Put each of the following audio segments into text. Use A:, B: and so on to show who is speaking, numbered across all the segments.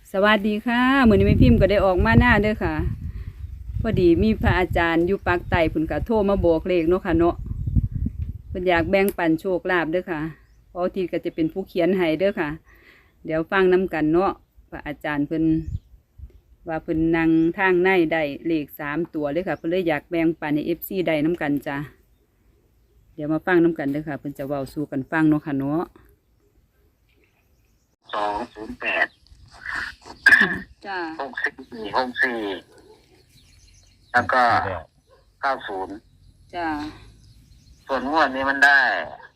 A: สวัสดีค่ะมื้อนี้แม่พิมพ์ก็ได้ออกมาหน้าเด้อค่ะพอดีมีพระอาจารย์อยู่ปากใต้เพิ่นก็โทรมาบอกเลขเนาะค่ะเนาะเพิ่นอยากแบ่งปันโชคลาภเด้อค่ะเพราะที่ก็จะเป็นผู้เขียนให้เด้อค่ะเดี๋ยวฟังนํกันเนาะพระอาจารย์เพิ่นว่าเพิ่นนั่งทางในได้เลข3 ตัวเลยค่ะเพิ่นเลยอยากแบ่งปันให้ FC ได้นํกันจ้ะเดี๋ยวมาฟังนํกันเด้อค่ะเพิ่นจะเว้าสู่กันฟังเนาะค่ะเนาะ
B: 208
A: จ้า
B: 64แล้วก็90
A: จ้า
B: ส่วนงวดนี้มันได้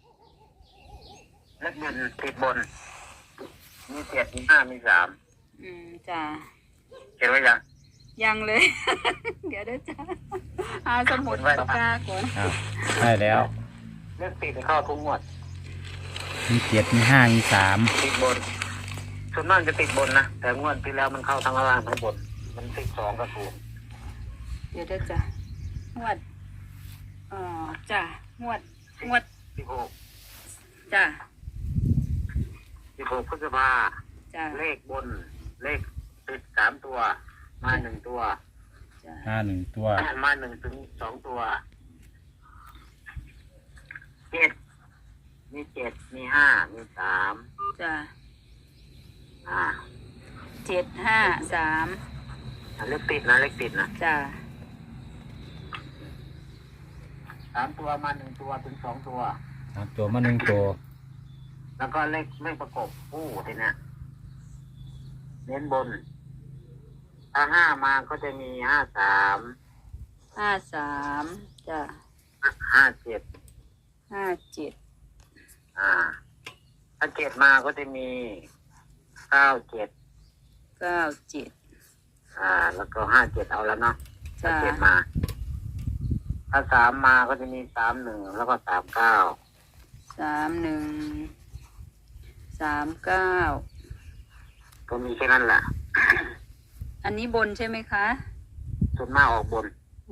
B: เลขบนติดบนมี7มี5มี3
A: จ้า
B: เห็นไว้ยัง
A: ยังเลย เดี๋ยวเด้อจ้าเอาสมุดปากกาก่อน
C: ใช่แล้ว
B: เลขติดเข้าทุกงวด
C: มี7มี5มี
B: ติดบนส่วนมากจะติดบนนะแต่งวดที่แล้วมันเข้าทั้งล่างทั้งบนมันติด2กับ0
A: เดี๋ยวเด้อจ้างวดจ้างวด
B: 16
A: จ้า
B: 16พฤษภา
A: จ้า
B: เลขบนเลขติด3ตัวมา1ตัว
A: จ้า
C: 1ตัว
B: มา1 ถึง 2ตัว7มี7มี5มี3
A: จ้า7 5 3
B: เลขติดนะ
A: จ้า
B: 3ตัวมา1ตัวถึง2ตัว
C: 3ตัวมา1ตัว
B: แล้วก็เลขประกบคู่ทีเนี้ยเน้นบนถ้า5มาก็จะมี53
A: จ้า
B: 57ถ้า7มาก็จะมี97แล้วก็57เอาแล้วเนาะถ้า7มาถ้า3มาก็จะมี31แล้วก็
A: 31 39
B: ก็มีแค่นั้นแหละ
A: อันนี้บนใช่ไหมคะ
B: ส่วนมากออกบน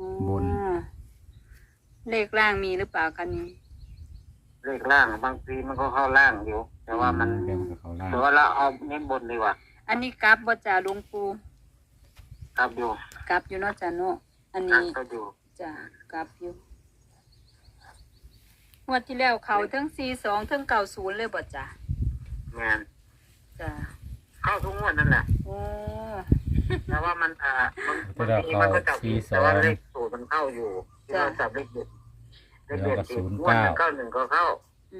A: เลขล่างมีหรือเปล่าคะนี่
B: เลขล่างบางทีมันก็เข้าล่างอยู่แต่ว่ามันแต่ว่าเราเอาเน้นบนดีกว่า
A: อันนี้กลับบ่จ่าหลวงปู่
B: กลับอยู่
A: เนาะจ้ะเนาะอันนี้
B: ก็อยู่
A: จ้ะกลับอยู่งวดที่แล้วเขาทั้ง42ทั้ง90เลยบ่จ้ะ
B: แม่น
A: จ้ะ
B: เข้าทุกงวดนั่นแหละ
A: โอ้
B: แต่ว่ามันบางทีมันก็จับแต่ว่าเลขสูตรมันเข้าอยู่ที่เราจับเลขเด็ดงวด91ก็เข้า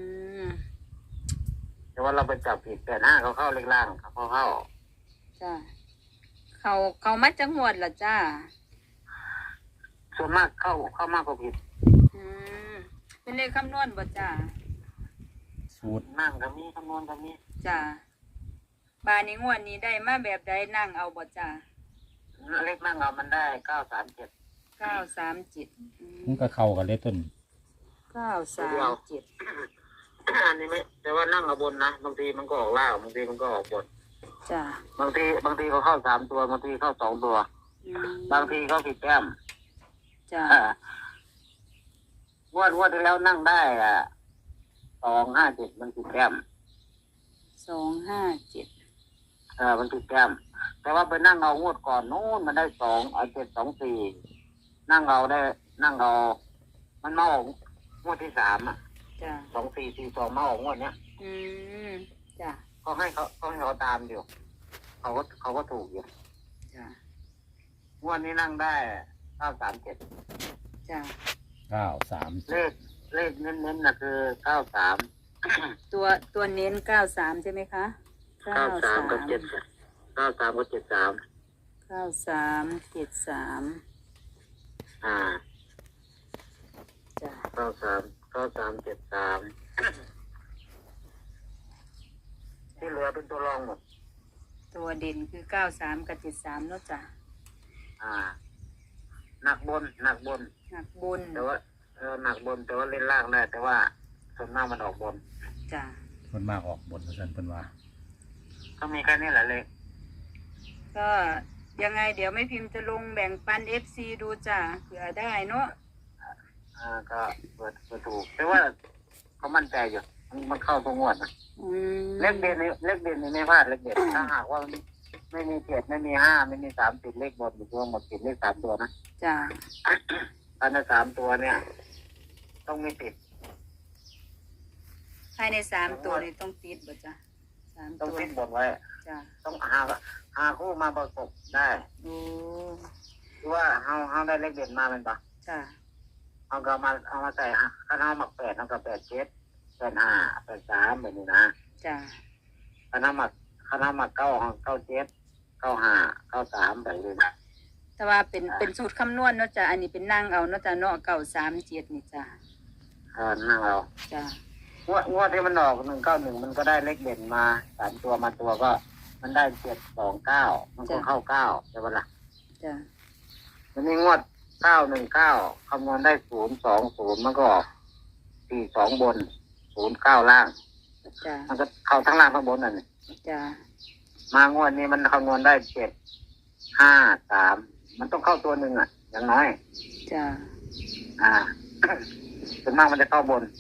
B: แต่ว่าเราไปจับผิด85เขาเข้าเลขล่างเขาเข้า
A: จ้ะเขามาจังหวัดล่ะจ้า
B: ส่วนมากเข้ามากกว่าผิด
A: เป็นเลขคำนวณบ่จ้า
C: สูตร
B: นั่งก็มีคำนวณก็มี
A: จ้าบานนี้งวดนี้ได้มาแบบใดนั่งเอาบ่จ้า
B: เลขนั่งเอามันได้937
C: มันก็เข้ากันเลยต้น
A: 937
B: อันนี้ไม่แต่ว่านั่งเอาบนนะบางทีมันก็ออกล่างบางทีมันก็ออกบน
A: จ้า
B: บางทีเขาเข้า3ตัวบางทีเข้า2ตัวบางทีเขาผิดแต้ม
A: จ้
B: างวดที่แล้วนั่งได้257มันผิดแต้ม
A: 257
B: มันผิดแต้มแต่ว่าไปนั่งเอางวดก่อนนู้นมันได้724นั่งเอามันมาออกงวดที่3
A: จ้า
B: 2442มาออกงวดเนี้ย
A: จ้า
B: เขาให้เขาตามอยู่เขาก็ถูกอยู่
A: จ้าง
B: วดนี้นั่งได้937
A: จ้า
C: 937
B: เลขเน้นๆน่ะคือ93
A: ตัวเน้น93ใช่ไหมคะ
B: 93กับ73
A: จ้า
B: 9373ที่เหลือเป็นตัวรองหมด
A: ตัวเด่นคือ93กับ73เนาะจ้ะ
B: หนักบนแต่ว่าหนักบนแต่ว่าเล่นล่างได้แต่ว่าส่วนมากมันออกบน
A: จ้ะ
C: มันมากออกบนเพราะฉะนั้นเพิ่นว่า
B: ก็มีแค่นี้แหละเลย
A: ก็ยังไงเดี๋ยวไม่พิมพ์จะลงแบ่งปัน FC ดูจ้ะเผื่อได้เนาะ
B: ก็เปิดถูกแต่ว่าเขามั่นใจอยู่มันเข้าทุกงวดนะเลขเด่นนี่ไม่พลาดเลขเด่นถ้าหากว่าไม่มี7ไม่มี5ไม่มี3ติดเลขบนอยู่ตัวหมดติดเลข3ตัวนะ
A: จ้า
B: อันนั้น3ตัวเนี่ย ต้องไม่ติด
A: ภายใน3ตัวนี่ต้องติดบ่จ้ะ3
B: ต้อง
A: ตัว
B: ติดบนไว้
A: จ้า
B: ต้องหาคู่มาประกบได้
A: โอ้
B: คือว่าเฮาได้เลขเด่นมาเป็นปะ
A: จ้า
B: เอามาใส่ข้าวหมัก8เอากับ8 7 8 5 8 3แบบนี้นะ
A: จ้า
B: ข้าวหมัก9 7 9 5 9 3แบบนี้นะ
A: แต่ว่าเป็นสูตรคำนวณเนาะจ้ะอันนี้เป็นนั่งเอาเนาะจ้ะเนาะ937นี่จ้ะ
B: นั่งเรา
A: จ้ะ
B: งวดที่มันออก191มันก็ได้เลขเด่นมา3ตัวมาตัวก็ มันได้729มันก็เข้า9ใช่ปะล่ะ
A: จ้ะ
B: มันมีงวด919คำนวณได้020มันก็ออก42บน09ล่าง
A: จ้ะ
B: มันก็เข้าทั้งล่างทั้งบนนั่น
A: จ้ะ
B: มางวดนี้มันคำนวณได้753มันต้องเข้าตัวหนึ่งอ่ะ อย่างน้อย
A: จ้ะ
B: ส่วนมากมันจะเข้าบน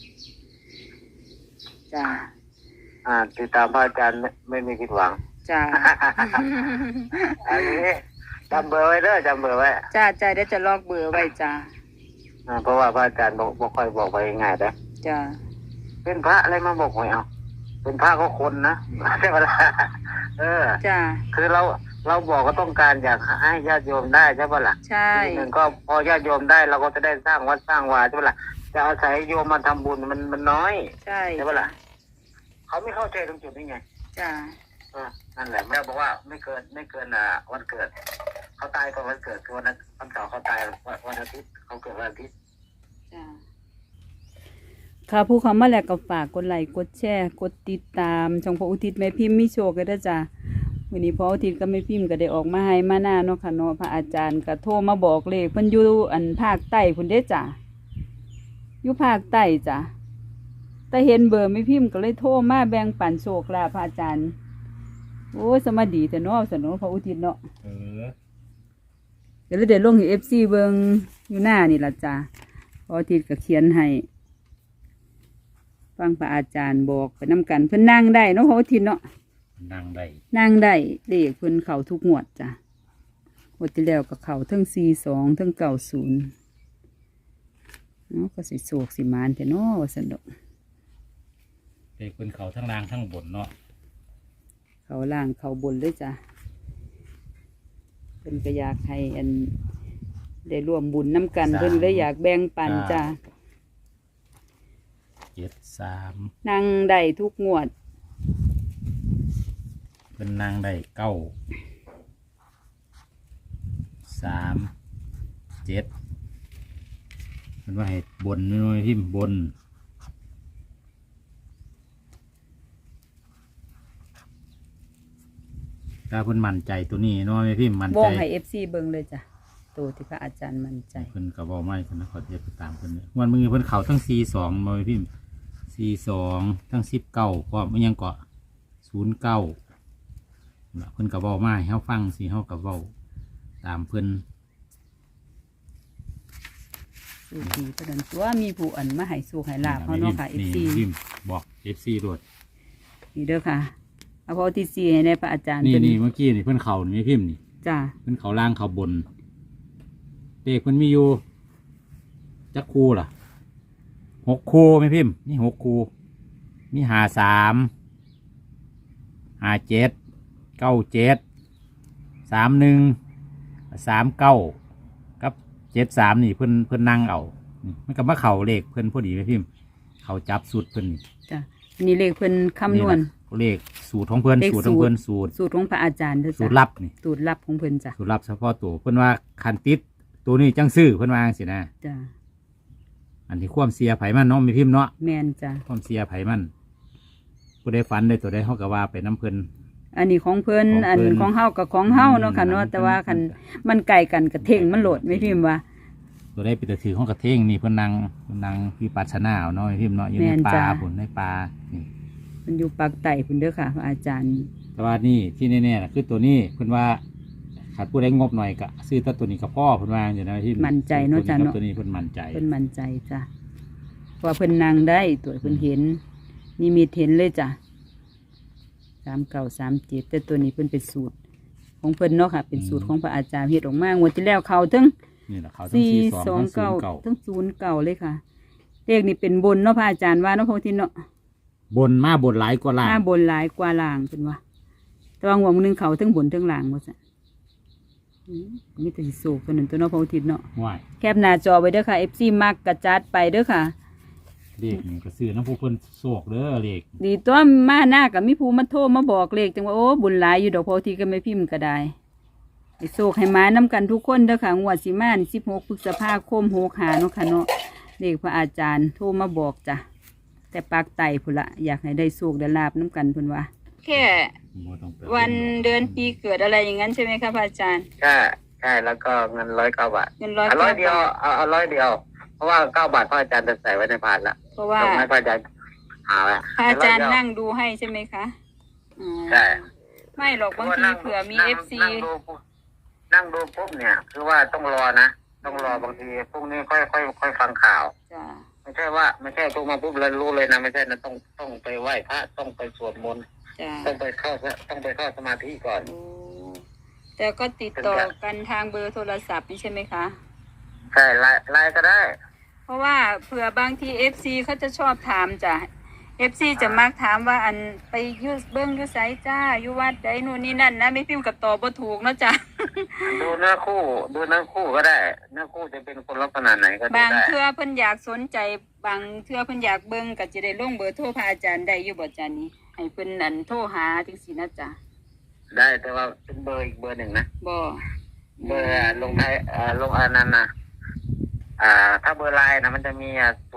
A: จ้ะ
B: ติดตามพระอาจารย์ไม่มีผิดหวัง
A: จ้ะ
B: อันนี้จำเบอร์ไว้เด้อจำเบอร์ไว้
A: จ้ะจ้ะเดี๋ยวจะลอกเบอร์ไว้จ้ะ
B: เพราะว่าพระอาจารย์บอกค่อยบอกไปง่ายๆนะ
A: จ้ะ
B: เป็นพระอะไรมาบอกหวยเอาเป็นพระก็คนนะใช่ไหมล่ะ
A: จ้ะ
B: คือเราบอกก็ต้องการอยากให้ญาติโยมได้ใช่ปะล่ะ
A: ใช่
B: ทีหนึ่งก็พอญาติโยมได้เราก็จะได้สร้างวัดสร้างวาใช่ปะล่ะจะอาศัยโยมมาทำบุญมันน้อย
A: ใช่
B: ใช่ปะล่ะเขาไม่เข้าใจตรงจุดนี้ไง
A: จ้ะ
B: นั่นแหละแม่บอกว่าไม่เกินวันเกิดเขาตายก่อนวันเกิดคือวันเสาร์เขาตายวันอาทิตย์เขาเกิดวันอาทิตย์
A: จ้ะค่ะผู้เขามาแล้วก็ฝากกดไลค์กดแชร์กดติดตามช่องพระอุทิศแม่พิมพ์มีโชคกันด้วยจ้ะวันนี้พระอุทิศก็แม่พิมพ์ก็ได้ออกมาให้มาหน้าเนาะค่ะเนาะพระอาจารย์ก็โทรมาบอกเลขเพิ่นอยู่ภาคใต้พุ่นเด้จ้ะอยู่ภาคใต้จ้ะแต่เห็นเบอร์แม่พิมพ์ก็เลยโทรมาแบ่งปันโชคลาภพระอาจารย์โอ้ยสมาดีแต่เนาะสนองพระอุทิศเนาะเดี๋ยวเราเดี๋ยวลงให้ FC เบิ่งอยู่หน้านี่ล่ะจ้ะพระอุทิศก็เขียนให้ฟังพระอาจารย์บอกไปนำกันเพิ่นนั่งได้เนาะพระอุทิศเนาะ
C: นั่งได้
A: นั่งได้เลขเพิ่นเข้าทุกงวดจ้ะงวดที่แล้วก็เข้าทั้ง42ทั้ง90เนาะก็สิโศกสิมานแต่เนาะว่าซั่นดอก
C: เด็กเป็นเขาทั้งล่างทั้งบนเนาะ
A: เข้าล่างเข้าบนเลยจ้ะเพิ่นก็อยากให้ได้ร่วมบุญน้ำกันเพิ่นเลยอยากแบ่งปันจ้ะ
C: 73
A: นั่งได้ทุกงวด
C: เป็นนางได้9 3 7เป็นว่าให้บนน้อยพิมพ์บนถ้าเพิ่นมั่นใจตัวนี้น้อยพิมพ์มั่น
A: ว
C: ใจ
A: งให้ FC เบิ่งเลยจ้ะตัวที่พระอาจารย์มั่นใจ
C: เพิ่นก็บอกไม่เพิ่นขอเทียบไปตามเพิ่นวันมือเพิ่นเขาทั้ง42น้อยพิมพ์42ทั้ง19ก็ไม่ยังเกาะ09เพิ่นก็บอกมาให้เฮาฟังสิเฮาก็เว้าตามเพิ่น
A: สู่ดีประดันตัวมีผู้อันมาให้สู่ให้ลาบเขาเนาะค่ะ FC
C: พิมพ์บอก FC โดด
A: นี่เด้อค่ะเอาพอที่4ให้ในพระอาจารย์
C: นี่
A: เพิ่น
C: นี่เมื่อกี้นี่เพิ่นเขานี่พิมพ์นี่
A: จ้ะ
C: เพิ่นเขาล่างเขาบนเด็กเพิ่นมีอยู่จักคู่ล่ะ6คู่ไหมพิมพ์นี่6คู่มี53 57 97 31 39กับ73นี่เพิ่นนั่งเอานี่มันก็มาเข่าเลขเพิ่นพอดีไหมพิมพ์เขาจับสูตรเพิ่นนี่
A: จ้ะอันนี้เลขเพิ่นคำนวณ
C: เลขสูตรของเพิ่น
A: เลข
C: สูตรของเพิ่นสูตร
A: สูตรของพระอาจารย์เด้อ
C: สู
A: จ้ะ
C: ตรลับนี่
A: สูตรลับของเพิ่นจ้ะ
C: สูตรลับเฉพาะตัวเพิ่นว่าคันติดตัวนี้จังซื้อเพิ่นว่าจังซี่นะ
A: จ้ะ
C: อันที่ความเสียไผมันเนาะมีพิมพ์เนาะ
A: แม่นจ้ะ
C: ความเสียไผมันผู้ใดฝันได้ตัวใดเฮาก็ว่าไปน้ำเพิ่น
A: อันนี้ของเพิ่น
C: ของ
A: อัน
C: เพิ่น
A: ของเฮากับของเฮาเนาะค่ะเนาะแต่ว่าคันมันไกลกันกระเท่งมันโหลดไม่พิมพ์ว่า
C: ตัวได้ไปแต่ถือของกระเท่งนี่เพิ่นนั่งวิปัสสนาเอาเนาะมีพิมพ์เนาะอยู่ใน
A: แม่น
C: ป่า
A: จ้ะ
C: พุ่นในป่านี่
A: มันอยู่ปากไต่พุ่นเด้อค่ะพระอาจารย์
C: แต่ว่านี่ที่แน่ๆน่ะคือตัวนี้เพิ่นว่าขาดผู้ใดงบหน่อยก็ซื้อตัวนี้กับพ่อเพิ่นว่าอย่างนั้นที่
A: มั่นใจเนาะจ้ะเนาะ
C: ตัวนี้เพิ่นมั่นใจ
A: เพิ่นมั่นใจจ้ะเพราะว่าเพิ่นนั่งได้ตัวเพิ่นเห็นนิมิตเห็นเลยจ้ะ3937แต่ตัวนี้เพิ่นเป็นสูตรของเพิ่นเนาะค่ะ เป็นสูตรของพระอาจารย์เฮ็ดออกมางวดที่แล้วเขาถึง
C: นี่แหละเขาทั้ง42ทั้ง09
A: ทั้ง09เลยค่ะเลขนี่เป็นบนเนาะพระอาจารย์ว่าเนาะพระทินเนาะ
C: บนมาบนหลายกว่าล่าง
A: ถ้าบนหลายกว่าล่างเพิ่นว่าแต่ว่าหัวมื้อนึงเขาทั้งบนทั้งล่างว่าซั่นมีแต่สิโศกตัวนั้นตัวเนาะพระทินเนาะ
C: ว่าย
A: แคปหน้าจอไว้เด้อค่ะ FC มักกระจัดไปเด้อค่ะ
C: เลขนี่ก็ซื้อน้ำผู้เพิ่นโศกเด้อเลข
A: ดีตัวมาหน้ากับมีผู้มาโทรมาบอกเลขจังว่าโอ้บุญหลายอยู่ดอกพอทีก็ไม่พิมพ์ก็ได้ให้โศกให้มาน้ำกันทุกคนเด้อค่ะงวดสิมานี่16พฤษภาคม65เนาะค่ะเนาะเลขพระอาจารย์โทรมาบอกจ้ะแต่ปากไตพุ่นละอยากให้ได้โศกได้ลาบน้ำกันพุ่นว่าแค่
C: บ่ต้องไป
A: วันเดือนปีเกิดอะไรอย่างนั้นใช่ไหมคะพระอาจารย์
B: ใช่แล้วก็เงิน109 บาท
A: เงิน
B: เอาร้อยเดียวเอา100 เดียว เพราะว่า9 บาทพ่ออาจารย์จะใส่ไว้ในพานละ
A: เพราะว่า
B: ต้องให้พ่ออาจารย์หาไว้
A: พระอาจารย์
B: 100 เดียว
A: นั่งดูให้ใช่ไหมคะอ๋อ
B: ใช่
A: ไม่หรอกบางทีเผื่อมี FC
B: นั่งดูปุ๊บเนี่ย คือว่าต้องรอนะต้องรอบางทีพรุ่งนี้ค่อยฟังข่าว
A: จ้ะ
B: ไม่ใช่โทรมาปุ๊บแล้วรู้เลยนะไม่ใช่นะต้องไปไหว้พระต้องไปสวดมนต์
A: จ้ะ
B: ต้องไปเข้าสมาธิก่อน
A: โอ้แต่ก็ติดต่อกันทางเบอร์โทรศัพท์นี่ใช่ไหมคะ
B: ใช่ไลน์ก็ได้
A: เพราะว่าเผื่อบางที FC เขาจะชอบถามจ้ะ FC จะมักถามว่าอันไปอเบิ้งอยุไสจ้าอยู่วัดใดนู่นนี่นั่นนะไม่พิมพ์กับตอบบ่ถูกเนาะจ้ะ
B: ดูเนื้อคู่ก็ได้เนื้อคู่จะเป็นคนลักษณะไหนก็ดู
A: บาง
B: ได้
A: เทื่อเพิ่นอยากสนใจบางเทื่อเพิ่นอยากเบิ้งก็จะได้ลงเบอร์โทรพระอาจารย์ได้อยู่บ่จ้ะนี่ให้เพิ่นอันโทรหาจังซี่นะจ้ะ
B: ได้แต่ว่าเป็นเบอร์อีกเบอร์หนึ่งนะ
A: บ่
B: เบอร์ลงท้ายลงอันนั้นนะถ้าเบอร์ไลน์นะมันจะมี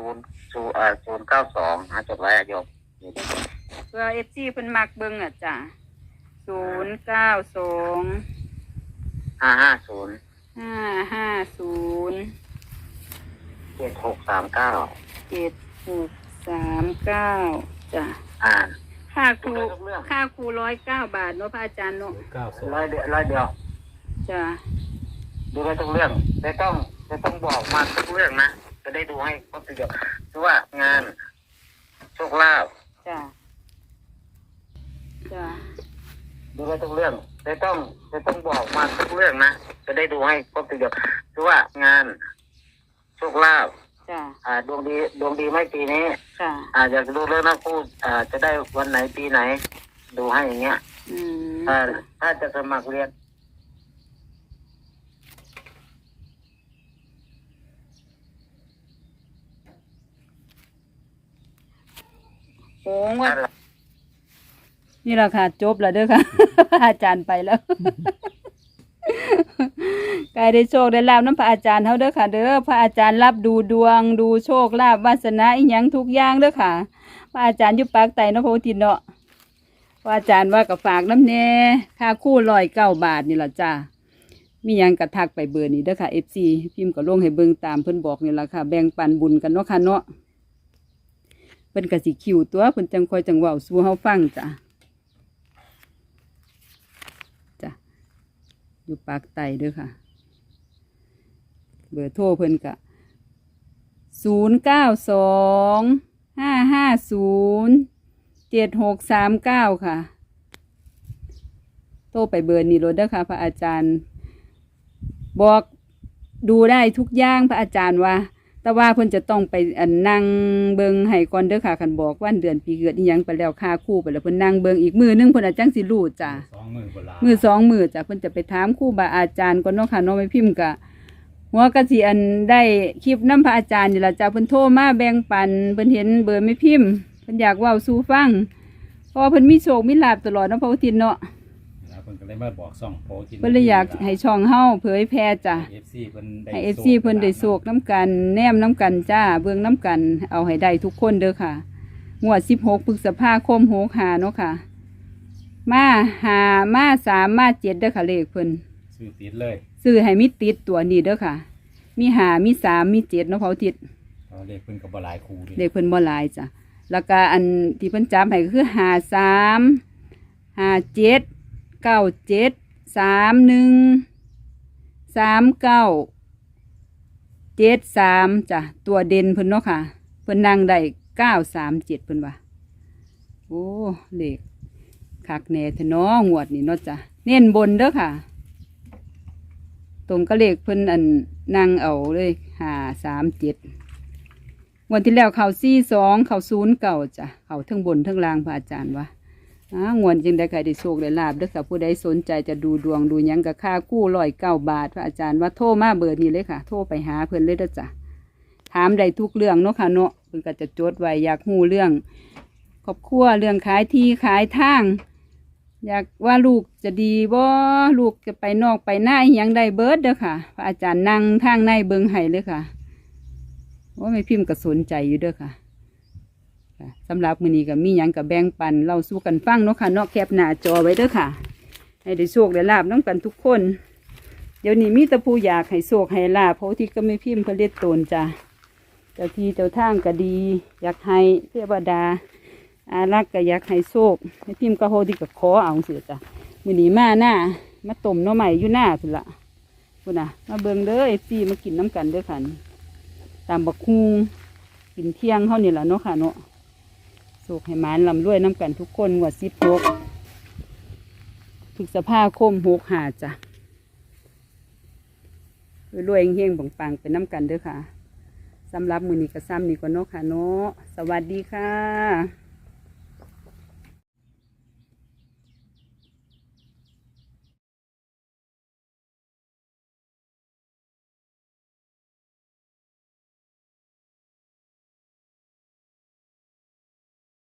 B: 092จดไว้โยม
A: เพื่อ FC เพิ่นมักเบิ้งอ่ะจ้ะ092
B: 550
A: 550
B: 7639
A: 7639จ้ะ
B: อ่า
A: ค่าครู
B: ดูได้ทุกเรื่อง
A: ค่าครู109 บาทเนาะพระอาจารย์เนาะ
B: ร้อยเดียว
A: จ้ะ
B: ดูได้ทุกเรื่องแต่ต้องบอกมาทุกเรื่องนะจะได้ดูให้ครบทีเดียวคือว่างานโชคลาภ
A: จ้ะจ้ะ
B: ดูได้ทุกเรื่องแต่ต้องบอกมาทุกเรื่องนะจะได้ดูให้ครบทีเดียวคือว่างานโชคลาภ
A: จ้ะ
B: ดวงดีไม่ปีนี้
A: จ้ะ
B: อยากดูเรื่องนักคู่จะได้วันไหนปีไหน ดูให้อย่างเงี้ย
A: อืม
B: ถ้าจะสมัครเรียน
A: โอ้ว่านี่แหละค่ะจบแล้วเด้อค่ะ พระอาจารย์ไปแล้ว กายได้โชคได้ลาบน้ำพระอาจารย์เฮาเด้อค่ะ เด้อพระอาจารย์รับดูดวงดูโชคลาภวาสนาอีหยังทุกอย่างเด้อค่ะ พระอาจารย์อยู่ปากไตเนาะพระอุทิศเนาะพระอาจารย์ว่ากับฝากน้ำแน่ค่าคู่109 บาทนี่ล่ะจ้ามีหยังกระทักไปเบอร์นี้เด้อค่ะ FC พิมพ์ก็ลงให้เบิ่งตามเพิ่นบอกนี่ล่ะค่ะ แบ่งปันบุญกันเนาะค่ะเนาะเพิ่นก็สิคิวตัวเพิ่นจังค่อยจังเว้าสู่เฮาฟังจ้ะอยู่ปากไตเด้อค่ะ เบอร์โทรเพิ่นกะ0925507639ค่ะโทรไปเบอร์นี้โลดเด้อค่ะ พระอาจารย์ บอกดูได้ทุกอย่างพระอาจารย์ว่า แต่ว่าเพิ่นจะต้องไปนั่งเบิงให้ก่อนเด้อค่ะคันบอกวันเดือนปีเกิดอีหยังไปแล้วค่าคู่ไปแล้วเพิ่นนั่งเบิงอีกมือนึงเพิ่นอาจจังสิรู้จ้ะ มือ2 มือจ้ะเพิ่นจะไปถามครูบาอาจารย์ก่อนเนาะค่ะเนาะไม่พิมพ์กะหัวกะสิได้คลิปน้ำพระอาจารย์นี่ล่ะจ้ะเพิ่นโทรมาแบ่งปันเพิ่นเห็นเบอร์ไม่พิมพ์เพิ่นอยากเว้าสู่ฟังเพราะว่าเพิ่นมีโชคมีลาภตลอดเนาะพระอุทิศเนาะ
C: เพิ่นก็เลยมาบอกส่องโพกิน
A: เพิ่นเลยอยากให้ช่องเฮาเผยแพร่จ้ะ
C: FC เพิ่นได้
A: ให้ FC เพิ่นได้โชคน้ำกันแนมน้ำกันจ้าเบิ่งน้ำกันเอาให้ได้ทุกคนเด้อค่ะงวด16พฤษภาคม65เนาะค่ะมา5มา3มา7เด้อค่ะเลขเพิ่น
C: ซื้อติดเลย
A: ซื้อให้มีติดตัวนี้เด้อค่ะ มี5มี3มี7เนาะเผาติด
C: เพราะเลขเพิ่นก็บ่หลายคู่ดิ
A: เลขเพิ่นบ่หลายจ้ะแล้วก็อันที่เพิ่นจำให้ก็คือ53 57 97 31 39 73จ้ะตัวเด่นเพิ่นเนาะค่ะเพิ่นนั่งได้937เพิ่นว่าโอ้เลขคักแน่แท้เนาะงวดนี้เนาะจ้ะเน้นบนเด้อค่ะ ตรงก็เลขเพิ่นอันนั่งเอาเลย537วันที่แล้วเขา42เขา09จ้ะเขาทั้งบนทั้งล่างพระอาจารย์ว่างวนจึงได้ใครได้โชคได้ลาบเด้อค่ะผู้ใดสนใจจะดูดวงดูหยังกับค่ากู้109 บาทพระอาจารย์ว่าโทรมาเบอร์นี้เลยค่ะ โทรไปหาเพิ่นเลยเด้อจ้ะถามได้ทุกเรื่องเนาะค่ะเนาะเพิ่นก็จะจดไว้อยากฮู้เรื่องครอบครัวเรื่องขายที่ขายทาง อยากว่าลูกจะดีบ่ลูกจะไปนอกไปหน้าอิหยังได้เบิดเด้อค่ะพระอาจารย์นั่งทางในเบิงให้เลยค่ะว่าไม่พิมพ์ก็สนใจอยู่เด้อค่ะสำหรับมื้อนี้ก็มีหยังก็แบ่งปันเราสู้กันฟังเนาะค่ะเนาะแคปหน้าจอไว้เด้อค่ะให้ได้โชคได้ลาบน้องกันทุกคนเดี๋ยวนี้มีแต่ผู้อยากให้โชคให้ลาบเพราะที่ก็ไม่พิมพ์เพิ่นเรียกตนจ้ะเจ้าที่เจ้าทางก็ดี อยากให้เทวดาอารักษ์ก็อยากให้โชคให้พิมพ์ก็โหที่ก็ขอเอาเสียจ้ะมื้อนี้มาหน้ามาต้มหน่อไม้อยู่หน้าพุ่นละพุ่นน่ะมาเบิ่งเด้อFCมากินน้ำกันเด้อค่ะตามบักฮูงกินเที่ยงเท่านี้แหละเนาะค่ะเนาะโชคให้หมานลำรวยน้ำกันทุกคนงวด16พฤษภาคม65จ้ะรวยๆเฮงๆปังๆเป็นน้ำกันเด้อค่ะสำหรับมื้อนี้ก็ซ้ำนี่ก่อนเนาะค่ะเนาะสวัสดีค่ะ